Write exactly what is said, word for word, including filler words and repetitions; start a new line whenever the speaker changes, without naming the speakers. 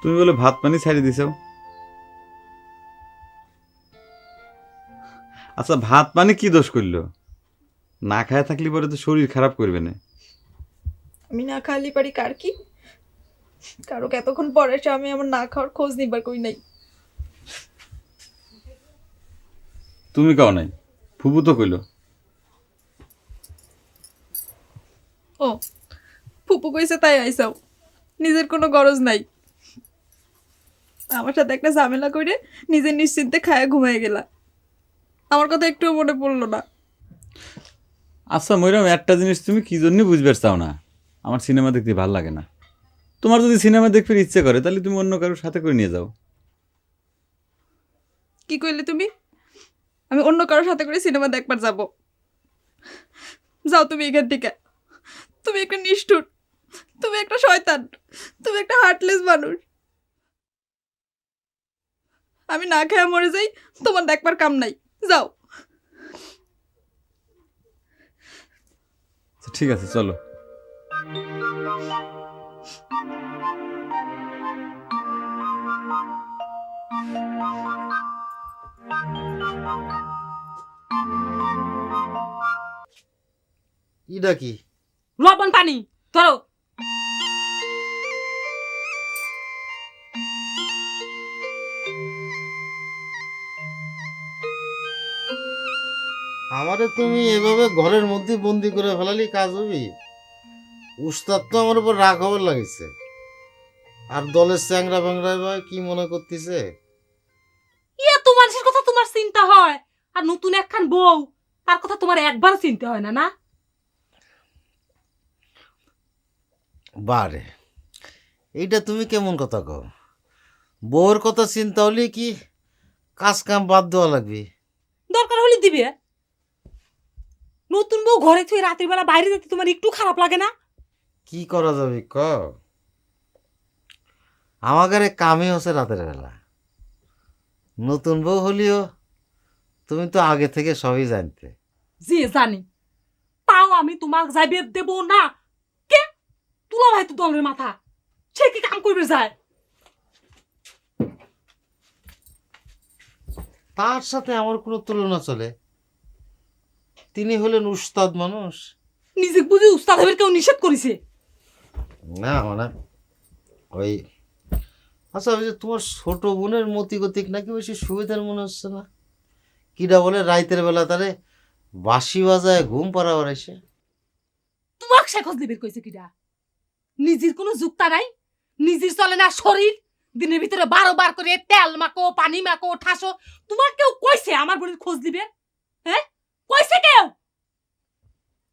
তুমি বলে ভাত পানি ছাড়িয়ে দিছো। আচ্ছা ভাত পানি কি দোষ করলো? না খায় থাকলে পরে তো শরীর খারাপ করবে না।
আমি না খালি পারি কার কি, কারো এতক্ষণ পরে এসে আমি আমার না খাওয়ার খোঁজ নিবার কই নাই।
তুমি কাও নাই, ফুপু তো কইলো।
ও ফুপু কইছে তাই আইসাও, নিজের কোনো গরজ নাই। আমার সাথে একটা ঝামেলা করে নিজের নিশ্চিন্তে খায়া ঘুমায় গেলা, আমার কথা একটুও মনে পড়লো না।
আচ্ছা ময়রাম, একটা জিনিস তুমি কি জন্য বুঝবে চাও না, আমার সিনেমা দেখতে ভালো লাগে না। তোমার যদি সিনেমা দেখতে ইচ্ছে করে তাহলে তুমি অন্য কারোর সাথে করে নিয়ে যাও।
কি কইলে তুমি? আমি অন্য কারোর সাথে করে সিনেমা দেখবার যাব? যাও তুমি এখান থেকে। তুমি একটা নিষ্ঠুর, তুমি একটা শয়তান, তুমি একটা হার্টলেস মানুষ। আমি না খেয়ে মরে যাই, তোমার দেখবার কাম নাই, যাও।
ঠিক আছে চলো।
ইডা কি?
লবণ পানি ধরো।
আমারে তুমি এভাবে ঘরের মধ্যে বন্দি করে ফেলালি কাজ হবি? উস্তাদ তো আমার উপর রাগ হবার লাগিছে। আর দলের চ্যাংরা ব্যাংরা ভাই কি মনে করতেছে?
ইয়া তোমার মানুষের কথা তোমার চিন্তা হয়, আর নতুন একখান বউ তার কথা তোমার একবার চিন্তা হয় না না?
বারে, এইটা তুমি কেমন কথা কও? বউর কথা চিন্তা হলে কি কাজ কাম বাদ দেওয়া লাগবে?
দরকার হলে দিবে। নতুন বউ ঘরে থুয়ে রাতের বেলা বাইরে যেতে তোমার একটু খারাপ লাগে না?
কি করা যাবে ক? আমাদের কামই হচ্ছে রাতের বেলা। নতুন বউ হলিও তুমি তো আগে থেকে সবই জানতে।
জি জানি, তাও আমি তোমার যাইবে দেব না। কে তুলা ভাই তো দলের মাথা, সে কি কাম করবে যায়?
তার সাথে আমার কোনো তুলনা চলে? তিনি হলেন উস্তাদ মানুষ।
নিজে বুঝি উস্তাদ হবে কেউ নিষেধ করেছে?
না মানে ওই, আচ্ছা ওই যে তোমার ছোট বোনের মতি গতিক নাকি বেশি সুবিধার মনে হচ্ছে না? কিডা বলে রাইতের বেলা তারে বাঁশি বাজায় ঘুম পাড়াবার এসে?
তোমাক সে খোঁজ দিবে কইছে কিডা? নিজের কোনো যুক্তা নাই, নিজের চলে না শরীর, দিনের ভিতরে বারো বার করে তেল মাখো পানি মাখো ঠাসো। তোমার কেউ কইছে আমার বোনের খোঁজ দিবে? হ্যাঁ কইছে কেউ?